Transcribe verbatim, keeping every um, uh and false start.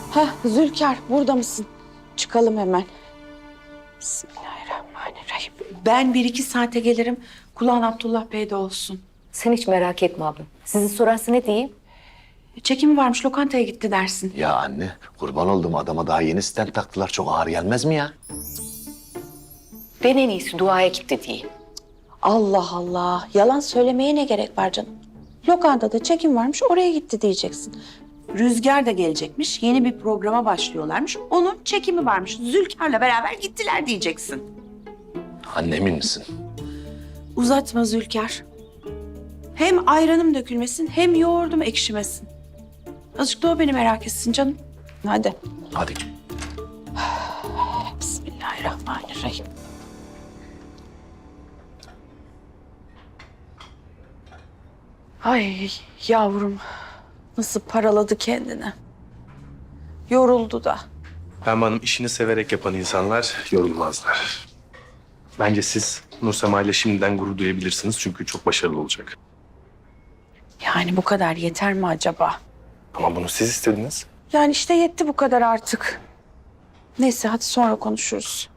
Hah Zülker, burada mısın? Çıkalım hemen. Bismillahirrahmanirrahim. Ben bir iki saate gelirim. Kulağın Abdullah Bey'de olsun. Sen hiç merak etme abla. Sizi sorarsa ne diyeyim? Çekimi varmış, lokantaya gitti dersin. Ya anne, kurban oldum, adama daha yeni stent taktılar. Çok ağır gelmez mi ya? Ben en iyisi duaya gitti diyeyim. Allah Allah. Yalan söylemeye ne gerek var canım? Lokantada çekim varmış, oraya gitti diyeceksin. Rüzgar da gelecekmiş, yeni bir programa başlıyorlarmış. Onun çekimi varmış. Zülker'le beraber gittiler diyeceksin. Anne, emin misin? Uzatma Zülker. Hem ayranım dökülmesin, hem yoğurdum ekşimesin. Azıcık da o beni merak etsin canım. Hadi. Hadi. Bismillahirrahmanirrahim. Ay yavrum, nasıl paraladı kendini. Yoruldu da. Pembe Hanım, işini severek yapan insanlar yorulmazlar. Bence siz Nursema ile şimdiden gurur duyabilirsiniz çünkü çok başarılı olacak. Yani bu kadar yeter mi acaba? Ama bunu siz istediniz. Yani işte yetti bu kadar artık. Neyse hadi sonra konuşuruz.